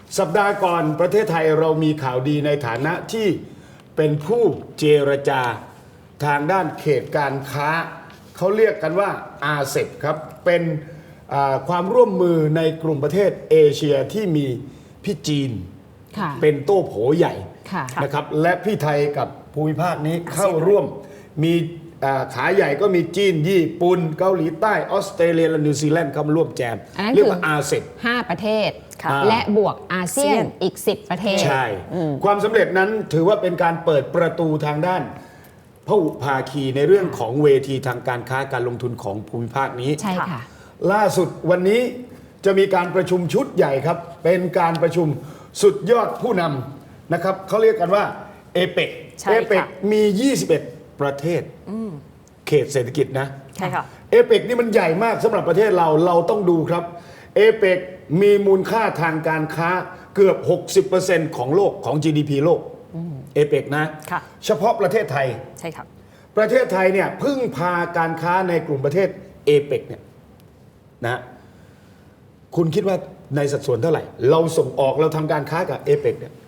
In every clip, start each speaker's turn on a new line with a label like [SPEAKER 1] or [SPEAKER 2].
[SPEAKER 1] สัปดาห์ก่อนประเทศไทยเรามีข่าวดีในฐานะที่เป็นผู้เจรจาทางด้านเขตการค้าเขาเรียกกันว่าอาเซบครับเป็นความร่วมมือในกลุ่มประเทศเอเชียที่มีพี่จีนเป็นโต้โผใหญ่นะครับและพี่ไทยกับภูมิภาคนี้เข้าร่วมมีขาใหญ่ก็มีจีนญี่ปุ่นเกาหลีใต้ออสเตรเลียและนิวซีแลนด์เข้ามาร่วมแจมเรียกว่าอาเซบ
[SPEAKER 2] 5 ประเทศและบวกอาเซียนอีก10 ประเทศ
[SPEAKER 1] ใช่ความสำเร็จนั้นถือว่าเป็นการเปิดประตูทางด้านพหุภาคีในเรื่องของเวทีทางการค้าการลงทุนของภูมิภาคนี้
[SPEAKER 2] ใช่ค่ะ
[SPEAKER 1] ล่าสุดวันนี้จะมีการประชุมชุดใหญ่ครับเป็นการประชุมสุดยอดผู้นำนะครับเขาเรียกกันว่าเอเปกมี 21 ประเทศเขตเศรษฐกิจนะ
[SPEAKER 3] ใช่ค่ะ
[SPEAKER 1] เอเปกนี่มันใหญ่มากสำหรับประเทศเราต้องดูครับเอเปกมีมูลค่าทางการค้าเกือบ 60% ของโลกของ GDP โลกเอเปกนะเฉพาะประเทศไทย
[SPEAKER 3] ใช่ครับ
[SPEAKER 1] ประเทศไทยเนี่ยพึ่งพาการค้าในกลุ่มประเทศเอเปกเนี่ยนะคุณคิดว่าในสัดส่วนเท่าไหร่เราส่งออกเราทำการค้ากับเอเปกเนี่ย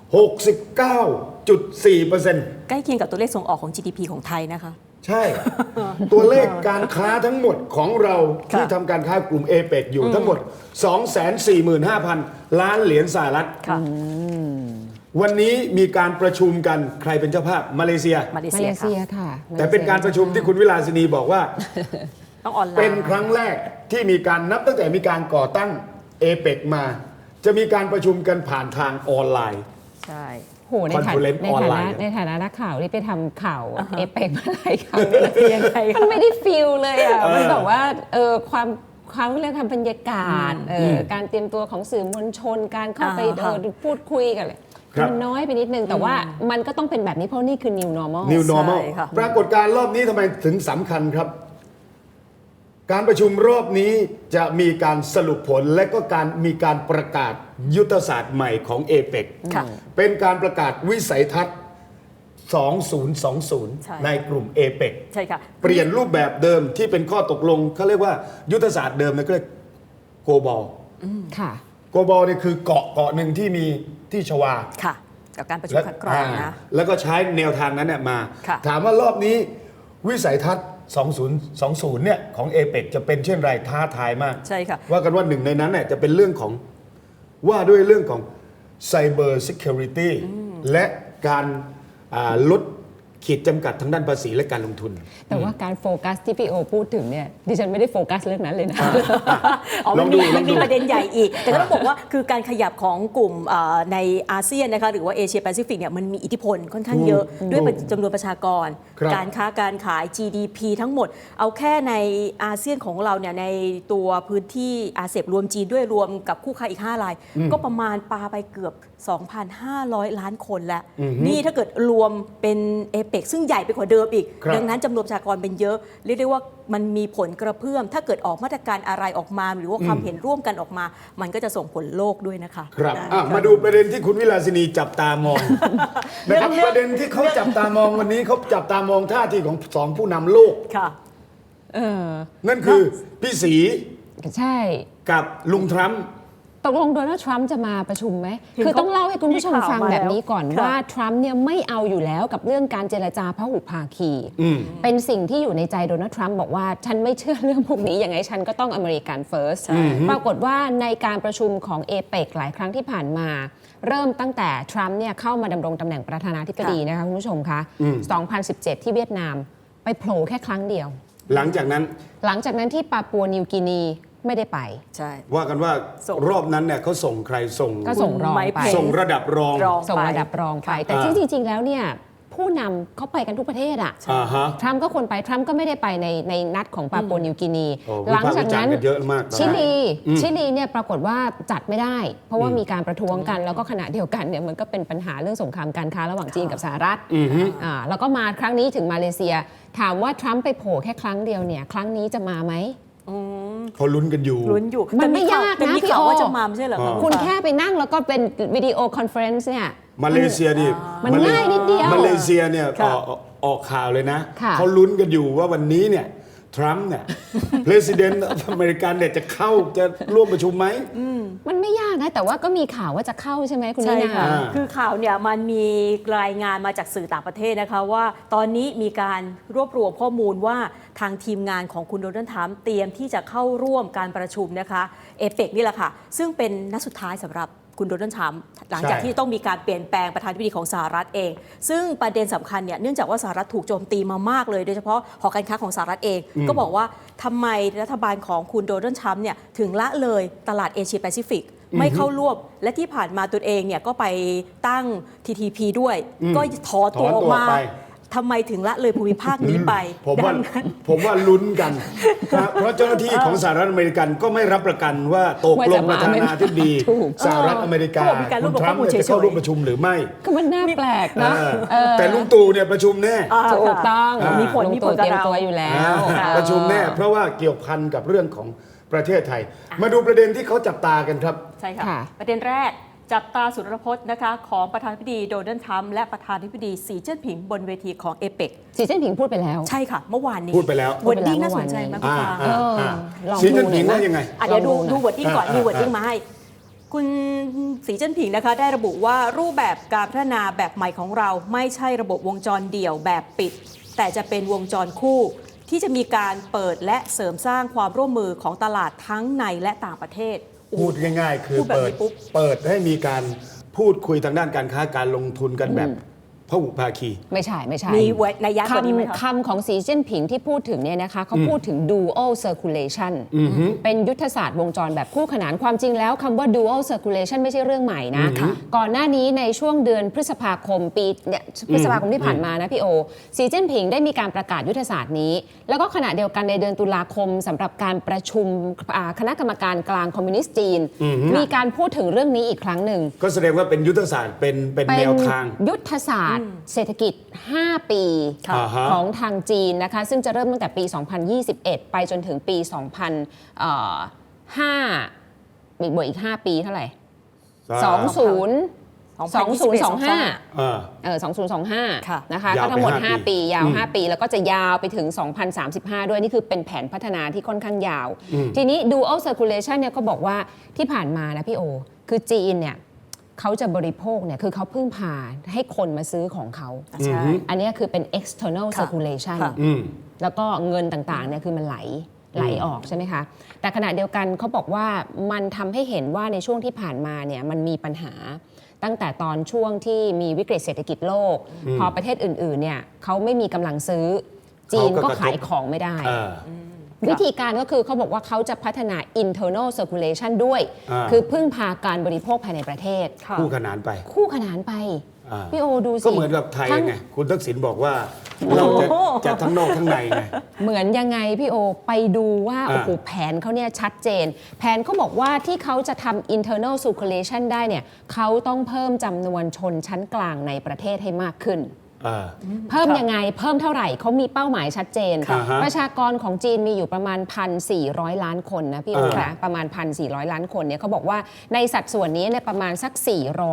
[SPEAKER 1] 69.4%
[SPEAKER 3] ใกล้เคียงกับตัวเลขส่งออกของ GDP ของไทยนะคะ
[SPEAKER 1] ใช่ ตัวเลขการค้าทั้งหมดของเราที่ทำการค้ากลุ่มเอเปกอยู่ทั้งหมด 245,000 ล้านเหรียญสหรัฐวันนี้มีการประชุมกันใครเป็นเจ้าภาพมาเลเซีย
[SPEAKER 2] ค่ะ
[SPEAKER 1] แต่เป็นการประชุมที่คุณวิลาสินีบอกว่า
[SPEAKER 3] ต้องออนไลน์
[SPEAKER 1] เป็นครั้งแรกที่มีการนับตั้งแต่มีการก่อตั้งเอเปกมาจะมีการประชุมกันผ่านทางออนไลน์
[SPEAKER 3] ใช่
[SPEAKER 2] โหในฐานะนักข่าวที่ไปทำข่าวเอเปกมาหลายครั้งมันไม่ได้ฟีลเลยอ่ะมันแบบว่าความเรื่องทำบรรยากาศการเตรียมตัวของสื่อมวลชนการเข้าไปพูดคุยกันเลยมันน้อยไปนิดนึงแต่ว่ามันก็ต้องเป็นแบบนี้เพราะนี่คือ new normal
[SPEAKER 1] ปรากฏการณ์รอบนี้ทำไมถึงสำคัญครับการประชุมรอบนี้จะมีการสรุปผลและก็มีการประกาศยุทธศาสตร์ใหม่ของเอเปกเป็นการประกาศวิสัยทัศน์ 2020 ในกลุ่มเอเปกเปลี่ยนรูปแบบเดิมที่เป็นข้อตกลงเขาเรียกว่ายุทธศาสตร์เดิมนะก็เรียกโกบอลโกบอลนี่คือเกาะหนึ่งที่มีที่ชวา
[SPEAKER 3] ค่ะกับการประชุมคัดกรองนะ
[SPEAKER 1] แล้วก็ใช้แนวทางนั้นเนี่ยมาถามว่ารอบนี้วิสัยทัศน์2020เนี่ยของเอเปกจะเป็นเช่นไรท้าทายมาก
[SPEAKER 3] ใช่ค่ะ
[SPEAKER 1] ว่ากันว่าหนึ่งในนั้นเนี่ยจะเป็นเรื่องของว่าด้วยเรื่องของ Cyber Security และการลดขีดจำกัดทางด้านภาษีและการลงทุน
[SPEAKER 2] แต่ว่าการโฟกัสที่พี่โอพูดถึงเนี่ยดิฉันไม่ได้โฟกัสเรื่องนั้นเลยนะ
[SPEAKER 3] มันมีประเด็นใหญ่อีกแต่ต้องบอกว่าคือการขยับของกลุ่มในอาเซียนนะคะหรือว่าเอเชียแปซิฟิกเนี่ยมันมีอิทธิพลค่อนข้างเยอะด้วยจำนวนประชากรการค้าการขาย GDP ทั้งหมดเอาแค่ในอาเซียนของเราเนี่ยในตัวพื้นที่อาเซียนรวมจีนด้วยรวมกับคู่ค้าอีก5 รายก็ประมาณปาไปเกือบ 2,500 ล้านคนแล้วนี่ถ้าเกิดรวมเป็นเอเปกซึ่งใหญ่ไปกว่าเดิมอีกดังนั้นจำนวนประชากรเป็นเยอะเรียกได้ว่ามันมีผลกระเพื่อมถ้าเกิดออกมาตรการอะไรออกมาหรือว่าความเห็นร่วมกันออกมามันก็จะส่งผลโลกด้วยนะคะ
[SPEAKER 1] ครับมาดูประเด็นที่คุณวิลาสินีจับตามองนะครับประเด็นที่เขาจับตามองวันนี้เขาจับตามองท่าทีของสองผู้นำโลก
[SPEAKER 3] ค่ะ
[SPEAKER 1] นั่นคือพี่ศรี
[SPEAKER 2] ใช่
[SPEAKER 1] กับลุงทรัมป์
[SPEAKER 2] ตกลงโดนัลด์ทรัมป์จะมาประชุมไหมคือต้องเล่าให้คุณผู้ชมฟังแบบนี้ก่อนว่าทรัมป์เนี่ยไม่เอาอยู่แล้วกับเรื่องการเจรจาพหุภาคีเป็นสิ่งที่อยู่ในใจโดนัลด์ทรัมป์บอกว่าฉันไม่เชื่อเรื่องพวกนี้ยังไงฉันก็ต้องอเมริกันเฟิร์สปรากฏว่าในการประชุมของเอเปกหลายครั้งที่ผ่านมาเริ่มตั้งแต่ทรัมป์เนี่ยเข้ามาดำรงตำแหน่งประธานาธิบดีนะคะคุณผู้ชมคะ2017 ที่เวียดนามไปโผล่แค่ครั้งเดียว
[SPEAKER 1] หลังจากนั้น
[SPEAKER 2] ที่ปาปัวนิวกินีไม่ได้ไป
[SPEAKER 3] ใช่
[SPEAKER 1] ว่ากันว่ารอบนั้นเนี่ยเขาส่งใคร
[SPEAKER 2] ก็ส่งรองไป
[SPEAKER 1] ส่งระดับรอง
[SPEAKER 2] ไปแต่ที่จริงๆแล้วเนี่ยผู้นำเขาไปกันทุกประเทศอ่ะทรัมป์ก็คนไปทรัมป์ก็ไม่ได้ไปในนัดของปาปัวนิวกินีหลังจากนั้นชิลีเนี่ยปรากฏว่าจัดไม่ได้เพราะว่ามีการประท้วงกันแล้วก็ขณะเดียวกันเนี่ยมันก็เป็นปัญหาเรื่องสงครามการค้าระหว่างจีนกับสหรัฐแล้วก็มาครั้งนี้ถึงมาเลเซียถามว่าทรัมป์ไปโผล่แค่ครั้งเดียวเนี่ยครั้งนี้จะมาไหม
[SPEAKER 1] เขาลุ้นกันอยู่
[SPEAKER 2] มันไม่ยากนะพี่โอ
[SPEAKER 3] ว่าจะมาไม่ใช่เหรอ
[SPEAKER 2] คุณแค่ไปนั่งแล้วก็เป็นวิดีโอคอนเฟอเรนซ์เนี่ย
[SPEAKER 1] มาเลเซียนี่
[SPEAKER 2] มันง่ายนิดเดียว
[SPEAKER 1] มาเลเซียเนี่ยออกข่าวเลยนะเขาลุ้นกันอยู่ว่าวันนี้เนี่ยทรัมป์เนี่ย president อเมริกันเนี่ยจะร่วมประชุมไหม
[SPEAKER 2] มันไม่ยากนะ แต่ว่าก็มีข่าวว่าจะเข้าใช่ไหมคุณ
[SPEAKER 3] ใช่
[SPEAKER 2] นินา
[SPEAKER 3] ค่ะ
[SPEAKER 1] อ่า
[SPEAKER 3] คือข่าวเนี่ยมันมีรายงานมาจากสื่อต่างประเทศนะคะว่าตอนนี้มีการรวบรวมข้อมูลว่าทางทีมงานของคุณโดนัลด์ทรัมป์เตรียมที่จะเข้าร่วมการประชุมนะคะเอเปกนี่แหละค่ะซึ่งเป็นนัดสุดท้ายสำหรับคุณโดนัลด์ทรัมป์หลังจากที่ต้องมีการเปลี่ยนแปลงประธานาธิบดีของสหรัฐเอง ซึ่งประเด็นสำคัญเนี่ยเนื่องจากว่าสหรัฐถูกโจมตีมามากเลยโดยเฉพาะหอการค้าของสหรัฐเอง ก็บอกว่าทำไมรัฐบาลของคุณโดนัลด์ทรัมป์เนี่ยถึงละเลยตลาดเอเชียแปซิฟิกไม่เข้าร่วมและที่ผ่านมาตัวเองเนี่ยก็ไปตั้ง TTP ด้วย ก็ถอนตัวออกมา
[SPEAKER 1] ถอนตัวไป
[SPEAKER 3] ทำไมถึงละเลยภูมิภาคนี้ไป
[SPEAKER 1] ผมว่าลุ้นกันนะเพราะเจ้าหน้าที่ของสหรัฐอเมริกันก็ไม่รับประกันว่าตกลงประธานาธิบดี
[SPEAKER 2] ถูก
[SPEAKER 1] สหรัฐอเมริกา
[SPEAKER 3] เขาบอกมีการรวบรวม
[SPEAKER 1] คุณทรัมป์เนี่ยจะเข้าร่วมประชุมหรือไม่
[SPEAKER 2] ก็มันน่าแปลกนะ
[SPEAKER 1] แต่ลุงตู่เนี่ยประชุมแน่
[SPEAKER 2] ถูกต้อง
[SPEAKER 3] มีผล
[SPEAKER 2] ลุง
[SPEAKER 3] มีผ
[SPEAKER 2] ตู่
[SPEAKER 3] ล
[SPEAKER 2] เต
[SPEAKER 3] กับ
[SPEAKER 2] รียม
[SPEAKER 3] เรา
[SPEAKER 2] ตัวอยู่แล้ว
[SPEAKER 1] ประชุมแน่เพราะว่าเกี่ยวพันกับเรื่องของประเทศไทย มาดูประเด็นที่เขาจับตากันครับ
[SPEAKER 3] ใช่ค่ะ
[SPEAKER 2] ค่ะ
[SPEAKER 3] ประเด็นแรกจับตาสุรพจน์นะคะของประธานาธิบดีโดนัลด์ทรัมป์และประธานาธิบดีสีเจิ้นผิงบนเวทีของเอเปก
[SPEAKER 2] สีเจิ้นผิงพูดไปแล้ว
[SPEAKER 3] ใช่ค่ะ เมื่อวานนี้
[SPEAKER 1] พูดไปแล้ว
[SPEAKER 3] วอร์ดดิ้งน่าสนใจไหมคุณฟ้า
[SPEAKER 2] ลอง
[SPEAKER 1] สีจิ้น
[SPEAKER 2] ดูหน่
[SPEAKER 1] ผิ
[SPEAKER 2] อง ยนะ
[SPEAKER 1] ว่ายังไง
[SPEAKER 3] เดี๋ยวดู
[SPEAKER 2] ลองดูหน่อย
[SPEAKER 3] วอร์ดดิ้งก่อน มีวอร์ดดิ้งมาให้ คุณสีเจิ้นผิงนะคะได้ระบุว่ารูปแบบการพัฒนาแบบใหม่ของเราไม่ใช่ระบบวงจรเดี่ยวแบบปิด แต่จะเป็นวงจรคู่ ที่จะมีการเปิดและเสริมสร้างความร่วมมือของตลาดทั้งในและต่างประเทศ
[SPEAKER 1] พูดง่ายๆ คือ
[SPEAKER 3] พูดแบบนี้ปุ๊บ
[SPEAKER 1] เปิดให้มีการพูดคุยทางด้านการค้าการลงทุนกันแบบพหุภาคี
[SPEAKER 2] ไม่ใช่
[SPEAKER 3] มีนัยยะกว่านี้ไหมคะ
[SPEAKER 2] คำของสีเจิ้นผิงที่พูดถึงเนี่ยนะคะเขาพูดถึง dual circulation เป็นยุทธศาสตร์วงจรแบบคู่ขนานความจริงแล้วคำว่า dual circulation ไม่ใช่เรื่องใหม่นะก่อนหน้านี้ในช่วงเดือนพฤษภาคมพฤษภาคมที่ผ่านมานะพี่โอสีเจิ้นผิงได้มีการประกาศยุทธศาสตร์นี้ แล้วก็ขณะเดียวกันในเดือนตุลาคมสำหรับการประชุมคณะกรรมการกลางคอมมิวนิสต์จีน มีการพูดถึงเรื่องนี้อีกครั้งหนึ่ง
[SPEAKER 1] ก็แสดงว่าเป็นยุทธศาสตร์เป็นแนวทาง
[SPEAKER 2] ยุทธศาสตร์เศรษฐกิจ 5 ปี
[SPEAKER 1] อ่าฮะ
[SPEAKER 2] ของทางจีนนะคะซึ่งจะเริ่มตั้งแต่ปี 2021 ไปจนถึงปี 2005บวกอีก 5 ปีเท่าไหร่ 2025
[SPEAKER 3] ค่ะ
[SPEAKER 2] นะคะ
[SPEAKER 1] ยาว
[SPEAKER 2] ก็ทั้งหมด
[SPEAKER 1] ไป5
[SPEAKER 2] 5 ปียาว 5 ปี แล้วก็จะยาวไปถึง 2035 ด้วย นี่คือเป็นแผนพัฒนาที่ค่อนข้างยาว ทีนี้ dual circulation เนี่ยก็บอกว่าที่ผ่านมานะพี่โอ คือจีนเนี่ยเขาจะบริโภคเนี่ยคือเขาพึ่งพาให้คนมาซื้อของเขา
[SPEAKER 3] ใช่
[SPEAKER 2] อันนี้คือเป็น external
[SPEAKER 3] ค่ะ
[SPEAKER 2] circulation
[SPEAKER 3] ค่ะ
[SPEAKER 2] แล้วก็เงินต่างๆเนี่ยคือมันไหลออกใช่ไหมคะ แต่ขณะเดียวกันเขาบอกว่ามันทำให้เห็นว่าในช่วงที่ผ่านมาเนี่ยมันมีปัญหา ตั้งแต่ตอนช่วงที่มีวิกฤตเศรษฐกิจโลก พอประเทศอื่นๆเนี่ยเขาไม่มีกำลังซื้อ จีนก็ขายของไม่ได้ วิธีการก็คือเขาบอกว่าเขาจะพัฒนา internal circulation ด้วย คือพึ่งพาการบริโภคภายในประเทศ
[SPEAKER 3] ค่ะ
[SPEAKER 1] คู่ขนานไป
[SPEAKER 2] คู่ขนานไป พี่โอดูสิ
[SPEAKER 1] ก็เหมือนกับไทย
[SPEAKER 2] ทั้ง
[SPEAKER 1] ไงคุณทักษิณบอกว่าเราจะทั้งนอกทั้งในไง
[SPEAKER 2] เหมือนยังไงพี่โอไปดูว่าโอ้โหแผนเขาเนี่ยชัดเจน แผนเขาบอกว่าที่เขาจะทำ internal circulation ได้เนี่ยเขาต้องเพิ่มจำนวนชนชั้นกลางในประเทศให้มากขึ้น เพิ่มยังไงเพิ่มเท่าไหร่เขามีเป้าหมายชัดเจน ประชากรของจีนมีอยู่ประมาณ 1,400 ล้านคนนะพี่โอนะประมาณ 1,400 ล้านคนเนี่ยเขาบอกว่าในสัดส่วนนี้เนี่ยประมาณสัก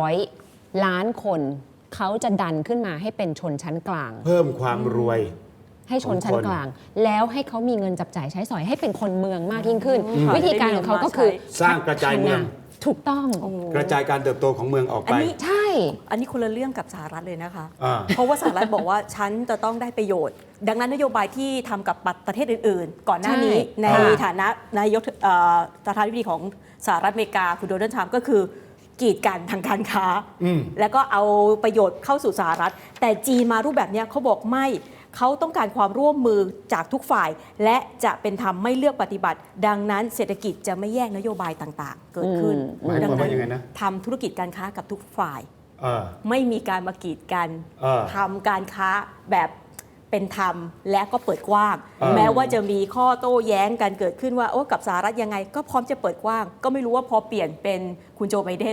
[SPEAKER 2] 400 ล้านคนเขาจะดันขึ้นมาให้เป็นชนชั้นกลาง
[SPEAKER 1] เพิ่มความรวย
[SPEAKER 2] ให้ชนชั้นกลาง แล้วให้เขามีเงินจับจ่ายใช้สอยให้เป็นคนเมืองมากยิ่งขึ้น วิธีการของเขาก็คือ
[SPEAKER 1] สร้างกระจายเมือง
[SPEAKER 2] ถูกต้อง
[SPEAKER 1] กระจายการเติบโตของเมืองออก
[SPEAKER 3] อั
[SPEAKER 1] ไป
[SPEAKER 3] นนี้
[SPEAKER 2] ใช่
[SPEAKER 3] อันนี้คนละเรื่องกับสหรัฐเลยนะคะ
[SPEAKER 1] อ่า
[SPEAKER 3] เพราะว่าสหรัฐบอกว่าฉันจะต้องได้ประโยชน์ ดังนั้นนโยบายที่ทำกับประเทศอื่นๆ ก่อนหน้านี้
[SPEAKER 2] ใช่
[SPEAKER 3] ในฐานะนายกประธานาธิบดีของสหรัฐอเมริกาคุณโดนัลด์ทรัมป์ก็คือกีดกันทางการค้า แล้วก็เอาประโยชน์เข้าสู่สหรัฐ แต่จีนมารูปแบบเนี้ยเขาบอกไม่เขาต้องการความร่วมมือจากทุกฝ่าย และจะเป็นธรรมไม่เลือกปฏิบัติ ดังนั้นเศรษฐกิจจะไม่แยกนโยบายต่างๆ เกิดขึ้น
[SPEAKER 1] หมายความว่ายังไงนะ
[SPEAKER 3] ทำธุรกิจการค้ากับทุกฝ่าย
[SPEAKER 1] เออ
[SPEAKER 3] ไม่มีการมากีดกัน ทำการค้าแบบเป็นธรรมและก็เปิดกว้าง แม้ว่าจะมีข้อโต้แย้งกันเกิดขึ้นว่าโอ้กับสหรัฐยังไง ก็พร้อมจะเปิดกว้าง ก็ไม่รู้ว่าพอเปลี่ยนเป็นคุณโจไบเดน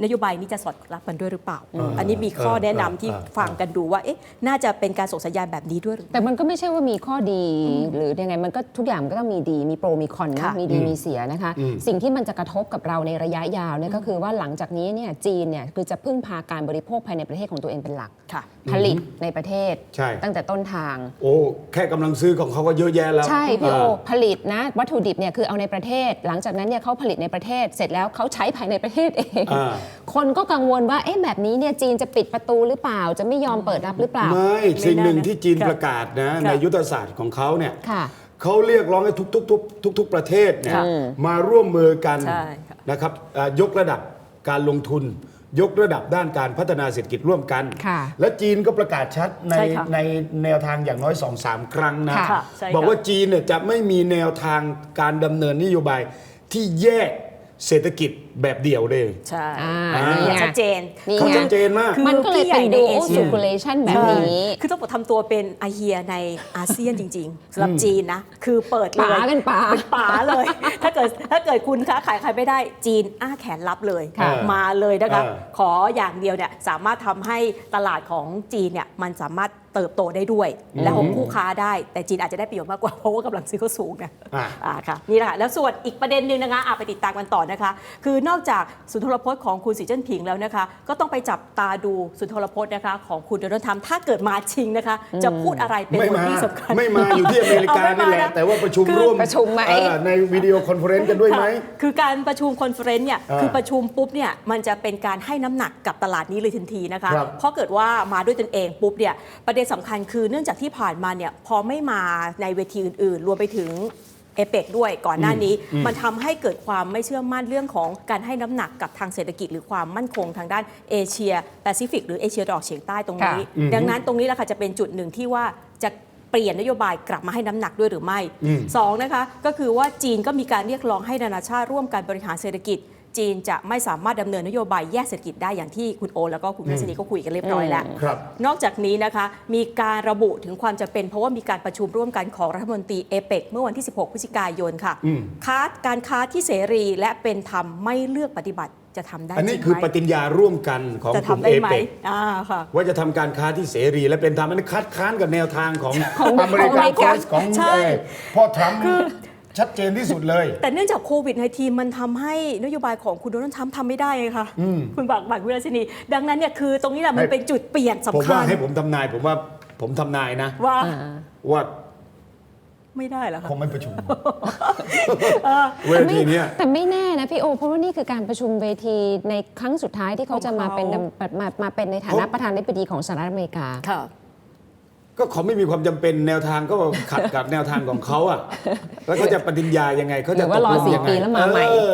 [SPEAKER 3] นโยบายนี้จะสอดรับกันด้วยหรือเปล่า อันนี้มีข้อแนะนำที่ฟังกันดูว่าน่าจะเป็นการส่งสัญญาณแบบนี้ด้วยหรือ
[SPEAKER 2] แต่มันก็ไม่ใช่ว่ามีข้อดีหรือยังไงมันก็ทุกอย่างมันก็ต้องมีดีมีโปรมีคอนนะ
[SPEAKER 3] ค่ะ
[SPEAKER 2] มีดีมีเสียนะคะ สิ่งที่มันจะกระทบกับเราในระยะยาวเนี่ยก็คือว่าหลังจากนี้เนี่ยจีนเนี่ยคือจะพึ่งพาการบริโภคภายในประเทศของตัวเองเป็นหลัก
[SPEAKER 3] ค่ะ
[SPEAKER 2] ผลิตในประเทศ
[SPEAKER 1] ใช่
[SPEAKER 2] ตั้งแต่ต้นทาง
[SPEAKER 1] โอ้แค่กำลังซื้อของเขาก็เยอะแยะแล้ว
[SPEAKER 2] ใช่พี่โอผลิตนะวัตถุดิบเนี่ยคือเอาในประเทศ หลังจากนั้นเนี่ยเขาผลิตในประเทศเสร็จแล้วเขาใช้ภายในประเทศเอง คนก็กังวลว่าแบบนี้เนี่ยจีนจะปิดประตูหรือเปล่าจะไม่ยอมเปิดรับหรือเปล่า
[SPEAKER 1] ไม่สิ่งหนึ่ง
[SPEAKER 3] ไม่น่านะ
[SPEAKER 1] ที่จีน
[SPEAKER 3] ค่ะ
[SPEAKER 1] ประกาศนะ
[SPEAKER 3] ค่ะ
[SPEAKER 1] ในยุทธศาสตร์ของเขาเนี่ย
[SPEAKER 2] ค่ะ
[SPEAKER 1] เขาเรียกร้องให้ทุกประเทศเนี่ย
[SPEAKER 3] ค่ะ
[SPEAKER 1] มาร่วมมือกัน
[SPEAKER 3] ใช่ค่ะ
[SPEAKER 1] นะครับยกระดับการลงทุน ยกระดับด้านการพัฒนาเศรษฐกิจร่วมกัน
[SPEAKER 2] ค่ะ
[SPEAKER 1] และจีนก็ประกาศชัดใน
[SPEAKER 3] ใช่ค่ะ
[SPEAKER 1] ในแนวทางอย่างน้อย 2-3 ครั้งนะ
[SPEAKER 3] ค่ะใช่ค่ะ
[SPEAKER 1] บอกว่าจีนเนี่ยจะไม่มีแนวทางการดำเนินนโยบายที่แยกเศรษฐกิจแบบเดี่ยวเลย
[SPEAKER 3] ใช่
[SPEAKER 2] นี่ไง
[SPEAKER 3] ชัดเจน
[SPEAKER 2] นี่
[SPEAKER 1] เขา
[SPEAKER 2] ไง
[SPEAKER 1] ชัดเจนมาก
[SPEAKER 2] มันก็เลยเป็น
[SPEAKER 3] คือ
[SPEAKER 2] dual
[SPEAKER 3] พี่ใหญ่ในเอเชีย
[SPEAKER 2] circulation แบบนี้
[SPEAKER 3] คือต้องบอกทำตัวเป็นอาเฮียในอาเซียนจริงๆสำหรับจีนนะ คือเปิดเลย
[SPEAKER 2] ป๋าเป็นป๋า
[SPEAKER 3] เป็นป๋าเลย ถ้าเกิดคุณค้าขายใครไม่ได้จีนอ้าแขนรับเลย
[SPEAKER 2] ค่ะ
[SPEAKER 3] มาเลยนะคะ
[SPEAKER 1] เออ
[SPEAKER 3] ขออย่างเดียวเนี่ยสามารถทำให้ตลาดของจีนเนี่ยมันสามารถเติบโตได้ด้วย และของคู่ค้าได้ แต่จีนอาจจะได้ประโยชน์มากกว่าเพราะว่ากำลังซื้อเขาสูงนะ ค่ะนี่แหละค่ะแล้วส่วนอีกประเด็นหนึ่งนะคะไปติดตามกันต่อนะคะ คือนอกจากสุนทรพจน์ของคุณสีเจิ้นผิงแล้วนะคะ ก็ต้องไปจับตาดูสุนทรพจน์นะคะของคุณโดนัลด์ทรัมป์ถ้าเกิดมาจริงนะคะ จะพูดอะไรเป็น
[SPEAKER 1] ไม่
[SPEAKER 3] บท
[SPEAKER 1] มา
[SPEAKER 3] ที่สำคัญ
[SPEAKER 1] ไม่มาอยู่ที่อเมริกา
[SPEAKER 3] เอาไม่
[SPEAKER 1] นี่แหละ
[SPEAKER 3] มานะ
[SPEAKER 1] แต่ว่าประชุม
[SPEAKER 3] คือ
[SPEAKER 1] ร่วม
[SPEAKER 2] ประชุมไหม
[SPEAKER 1] ในวิดีโอคอนเฟอเรนซ์กันด้วยไหม
[SPEAKER 3] ค่ะคือการประชุมคอนเฟอเรนซ์เนี่ย คือประชุมปุ๊บเนี่ยมันจะเป็นการให้น้ำหนักกับตลาดนี้เลยทันทีนะคะ
[SPEAKER 1] ครับ
[SPEAKER 3] เพราะเกิดว่ามาด้วยตนเองปุ๊บเนี่ยประเด็นสำคัญคือเนื่องจากที่ผ่านมาเนี่ยพอไม่มาในเวทีอื่นๆ รวมไปถึงเอเปกด้วยก่อนหน้านี้ มันทำให้เกิดความไม่เชื่อมั่นเรื่องของการให้น้ำหนักกับทางเศรษฐกิจ หรือความมั่นคงทางด้านเอเชียแปซิฟิกหรือเอเชียตะวันออกเฉียงใต้ตรงนี้
[SPEAKER 2] ค่ะ
[SPEAKER 3] ดังนั้นตรงนี้แหละค่ะจะเป็นจุดหนึ่งที่ว่าจะเปลี่ยนนโยบายกลับมาให้น้ำหนักด้วยหรือไม่สองนะคะก็คือว่าจีนก็มีการเรียกร้องให้นานาชาติร่วมการบริหารเศรษฐกิจ จีนจะไม่สามารถดำเนินนโยบายแยกเศรษฐกิจได้อย่างที่คุณโอแล้วก็คุณพัชนีก็คุยกันเรียบร้อยแล้ว
[SPEAKER 1] ครับ
[SPEAKER 3] นอกจากนี้นะคะมีการระบุถึงความจำเป็นเพราะว่ามีการประชุมร่วมกันของรัฐมนตรีเอเปกเมื่อวันที่ 16 พฤศจิกายนค่ะการค้าที่เสรีและเป็นธรรมไม่เลือกปฏิบัติจะทำได้จ
[SPEAKER 1] อัน
[SPEAKER 3] ริ
[SPEAKER 1] นี้
[SPEAKER 3] ง
[SPEAKER 1] คือ
[SPEAKER 3] ไห
[SPEAKER 1] ป
[SPEAKER 3] ม
[SPEAKER 1] ฏิญญาร่วมกันของ
[SPEAKER 3] จะ
[SPEAKER 1] กลุ่ม
[SPEAKER 3] ทำได้
[SPEAKER 1] เอ
[SPEAKER 3] ไหม
[SPEAKER 1] เปก
[SPEAKER 3] ค่ะ
[SPEAKER 1] ว่าจะทำการค้าที่เสรีและเป็นธรรมอันนี้คัดค้านกับแนวทางของอเมริ
[SPEAKER 2] ของอเม
[SPEAKER 1] กัน
[SPEAKER 2] ริ
[SPEAKER 1] เฟิ
[SPEAKER 2] กา
[SPEAKER 1] ร์สของ
[SPEAKER 3] ใช่
[SPEAKER 1] พ่อทรัมป์ชัดเจนที่สุดเลย
[SPEAKER 3] แต่เนื่องจากโควิด-19มันทำให้นโยบายของคุณโดนัลด์ทรัมป์ทำไม่ได้ไงคะคุณบักวิลาสินีดังนั้นเนี่ยคือตรงนี้แหละมันเป็นจุดเปลี่ยน
[SPEAKER 1] ผม
[SPEAKER 3] สำคั
[SPEAKER 1] ว่า
[SPEAKER 3] ญ
[SPEAKER 1] ให้ผมทำนายผมว่าผมทำนายนะ
[SPEAKER 3] ว่า
[SPEAKER 1] ว่า
[SPEAKER 3] ไม่ได้เหรอคะ
[SPEAKER 1] คงไม่ประชุมเวทีเนี้ย
[SPEAKER 2] แต่ไม่แน่นะพี่โอ เพราะว่านี่คือการประชุมเวทีในครั้งสุดท้ายที่เขาจะมาเป็น
[SPEAKER 3] ของเขา
[SPEAKER 2] มาเป็นในฐานะประธานาธิบดีของสหรัฐอเมริกา
[SPEAKER 3] ค่ะ
[SPEAKER 1] ก็เขาไม่มีความจำเป็นแนวทางก็ขัดกับแนวทางของเขาอ่ะ แล้วเขาจะปฏิญญายังไงเขาจะ
[SPEAKER 2] หรือว่ารอ
[SPEAKER 1] ตกลงยังไง
[SPEAKER 2] 4 ปีแล้วมาใหม่
[SPEAKER 1] เออ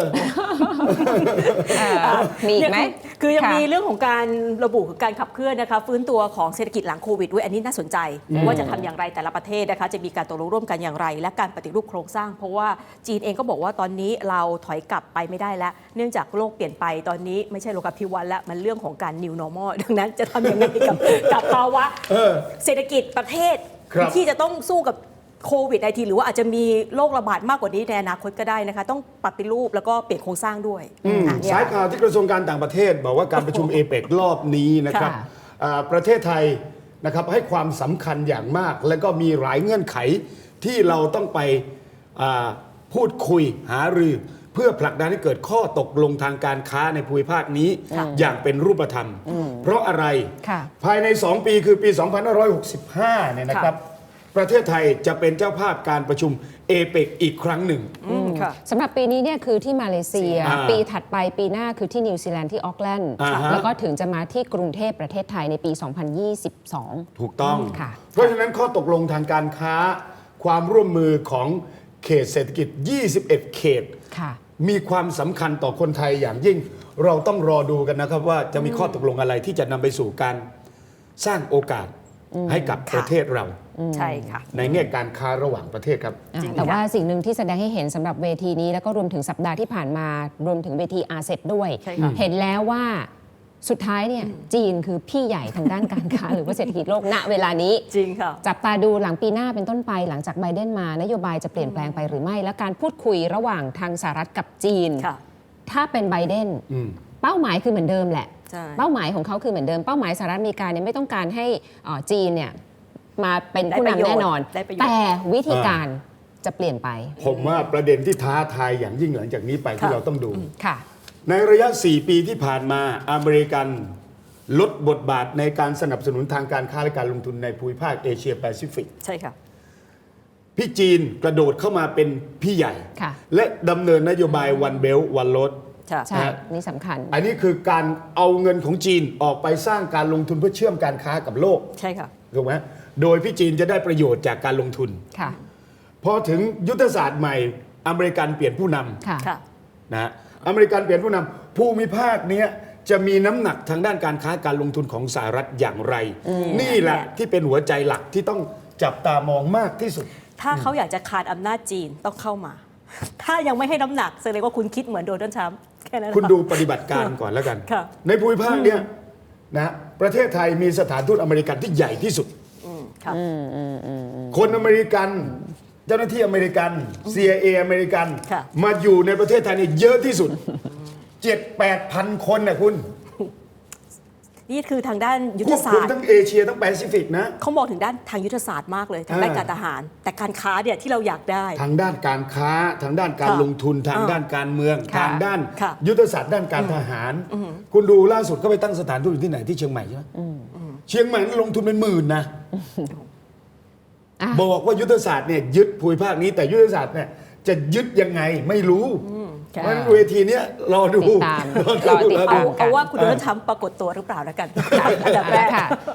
[SPEAKER 2] มีอีกไหม
[SPEAKER 3] คือยัง
[SPEAKER 2] ค่ะ
[SPEAKER 3] มีเรื่องของการระบุการขับเคลื่อนนะคะฟื้นตัวของเศรษฐกิจหลังโควิดด้วยอันนี้น่าสนใจว่าจะทำอย่างไรแต่ละประเทศนะคะจะมีการตกลงร่วมกันอย่างไร และการปฏิรูปโครงสร้าง เพราะว่าจีนเองก็บอกว่าตอนนี้เราถอยกลับไปไม่ได้แล้ว เนื่องจากโลกเปลี่ยนไปตอนนี้ไม่ใช่โลกาภิวัตน์แล้วมันเรื่องของการ new normal ดังนั้นจะทำยังไงกับภาวะเศรษฐกิจประเทศ
[SPEAKER 1] ครับ
[SPEAKER 3] ที่จะต้องสู้กับโควิด-19 หรือว่าอาจจะมีโรคระบาดมากกว่านี้ในอนาคตก็ได้นะคะต้องปฏิรูปแล้วก็เปลี่ยนโครงสร้างด้วยเนี่ย
[SPEAKER 1] สายข่าวที่กระทรวงการต่างประเทศ บอกว่าการประชุมเอเปกรอบนี้นะครับ
[SPEAKER 2] ค่ะ
[SPEAKER 1] ประเทศไทยนะครับให้ความสำคัญอย่างมาก และก็มีหลายเงื่อนไขที่เราต้องไปพูดคุยหารือ เพื่อผลักดันให้เกิดข้อตกลงทางการค้าในภูมิภาคนี้อย่างเป็นรูปธรรม เพราะอะไร
[SPEAKER 2] ค่ะ
[SPEAKER 1] ภายใน 2 ปีคือปี 2565 เนี่ยนะครับ ประเทศไทยจะเป็นเจ้าภาพการประชุมเอเปกอีกครั้งหนึ่ง
[SPEAKER 3] ค่ะ
[SPEAKER 2] สำหรับปีนี้เนี่ยคือที่มาเลเซีย ปีถัดไปปีหน้าคือที่นิวซีแลนด์ที่ออกแลนด์
[SPEAKER 1] อ่าฮะ
[SPEAKER 2] แล้วก็ถึงจะมาที่กรุงเทพประเทศไทยในปี 2022
[SPEAKER 1] ถูกต้อง
[SPEAKER 2] ค่ะ
[SPEAKER 1] เพราะฉะนั้นข้อตกลงทางการค้า ความร่วมมือของเขตเศรษฐกิจ 21 เขต
[SPEAKER 2] ค่ะ
[SPEAKER 1] มีความสำคัญต่อคนไทยอย่างยิ่ง เราต้องรอดูกันนะครับว่าจะมีข้อตกลงอะไรที่จะนำไปสู่การสร้างโอกาสให้กับประเทศเรา
[SPEAKER 3] ใช่ค่ะ
[SPEAKER 1] ในแง่การค้าระหว่างประเทศครับ
[SPEAKER 3] จริง
[SPEAKER 2] แต่
[SPEAKER 3] ค่ะ
[SPEAKER 2] ว่าสิ่งหนึ่งที่แสดงให้เห็นสำหรับเวทีนี้แล้วก็รวมถึงสัปดาห์ที่ผ่านมารวมถึงเวทีอาเซบด้วย
[SPEAKER 3] ใช่ค่ะ
[SPEAKER 2] เห็นแล้วว่าสุดท้ายเนี่ยจีนคือพี่ใหญ่ทางด้านการค้า หรือว่าเศรษฐกิจโลกณเวลานี้
[SPEAKER 3] จริงค่ะ
[SPEAKER 2] จับตาดูหลังปีหน้าเป็นต้นไปหลังจากไบเดนมานโยบายจะเปลี่ยนแปลงไปหรือไม่ และการพูดคุยระหว่างทางสหรัฐกับจีน
[SPEAKER 3] ค่ะ
[SPEAKER 2] ถ้าเป็นไบเดนเป้าหมายคือเหมือนเดิมแหละ
[SPEAKER 3] ใช่
[SPEAKER 2] เป้าหมายของเขาคือเหมือนเดิมเป้าหมายสหรัฐอเมริกาเนี่ยไม่ต้องการให้จีนเนี่ยมาเป็นผู้นำแน่นอน
[SPEAKER 3] ได้ประโยชน์
[SPEAKER 2] แต่วิธีการจะเปลี่ยนไป
[SPEAKER 1] ผมว่าประเด็นที่ท้าทายอย่างยิ่งหลังจากนี้ไปที่
[SPEAKER 3] ค่ะ
[SPEAKER 1] เราต้องดู
[SPEAKER 2] ค่ะ
[SPEAKER 1] ในระยะ 4 ปีที่ผ่านมาอเมริกันลดบทบาทในการสนับสนุนทางการค้าและการลงทุนในภูมิภาคเอเชียแปซิฟิก
[SPEAKER 3] ใช่ค่ะ
[SPEAKER 1] พี่จีนกระโดดเข้ามาเป็นพี่ใหญ่
[SPEAKER 2] ค่ะ
[SPEAKER 1] และดำเนินนโยบาย One Belt One Road
[SPEAKER 3] ค่ะ
[SPEAKER 2] ใช่ นี่สำคัญ
[SPEAKER 1] อันนี้คือการเอาเงินของจีนออกไปสร้างการลงทุนเพื่อเชื่อมการค้ากับโลก
[SPEAKER 3] ใช่ค่ะ
[SPEAKER 1] ถูกไหมโดยพี่จีนจะได้ประโยชน์จากการลงทุน
[SPEAKER 2] ค่ะ
[SPEAKER 1] พอถึงยุทธศาสตร์ใหม่อเมริกันเปลี่ยนผู้นำ
[SPEAKER 2] ค่ะ
[SPEAKER 3] ค่ะ
[SPEAKER 1] นะฮะอเมริกันเปลี่ยนผู้นำภูมิภาคเนี้ยจะมีน้ำหนักทางด้านการค้าการลงทุนของสหรัฐอย่างไร นี่แหละที่เป็นหัวใจหลักที่ต้องจับตามองมากที่สุด
[SPEAKER 3] ถ้าเขาอยากจะคานอำนาจจีนต้องเข้ามา ถ้ายังไม่ให้น้ำหนักแสดงว่าคุณคิดเหมือนโดนัลด์ทรัมป์แค่นั้น
[SPEAKER 1] คุณ
[SPEAKER 3] นะะ
[SPEAKER 1] ดูปฏิบัติการก่อนแล้วกัน
[SPEAKER 3] ค่ะ
[SPEAKER 1] ในภูมิภาคเนี้ยนะประเทศไทยมีสถานทูตอเมริกันที่ใหญ่ที่สุด
[SPEAKER 3] ค่ะ
[SPEAKER 1] คนอเมริกันเจ้าหน้าที่อเมริกัน CIA อเมริกัน
[SPEAKER 3] ค่ะ
[SPEAKER 1] มาอยู่ในประเทศไทยเนี่ยเยอะที่สุด 7-8 พันคนนะคุณ
[SPEAKER 3] นี่คือทางด้านยุท
[SPEAKER 1] ค
[SPEAKER 3] ธ
[SPEAKER 1] วบ
[SPEAKER 3] ศา
[SPEAKER 1] คุม
[SPEAKER 3] สตร์
[SPEAKER 1] ทั้งเอเชียทั้งแปซิฟิกนะ
[SPEAKER 3] เขามองถึงด้านทางยุทธศาสตร์มากเลยทางด้านการทหาร แต่การค้าเนี่ยที่เราอยากได้
[SPEAKER 1] ทางด้านการค้าทางด้านการ
[SPEAKER 3] ค่ะ
[SPEAKER 1] ลงทุนทางด้านการเมือง
[SPEAKER 2] ค่ะ
[SPEAKER 1] ทางด้าน
[SPEAKER 3] ค่ะ
[SPEAKER 1] ยุทธศาสตร์ด้านการทหาร คุณดูล่าสุดก็ไปตั้งสถานทูตอยู่ที่ไหนที่เชียงใหม่ใช่ไหมเชียงใหม่ลงทุนเป็นหมื่นนะ
[SPEAKER 2] อ่ะ
[SPEAKER 1] บอกว่ายุทธศาสตร์เนี่ยยึดภูมิภาคนี้แต่ยุทธศาสตร์เนี่ยจะยึดยังไงไม่รู้
[SPEAKER 3] ค่ะ
[SPEAKER 1] เพราะฉะนั้นเวทีเนี้ยรอดู
[SPEAKER 2] ติดตามรอติดตาม
[SPEAKER 3] เอาว่าคุณโดนัลด์ทรัมป์ปรากฏตัวหรือเปล่าแล้วกันอันดับแรก
[SPEAKER 2] ค่ะ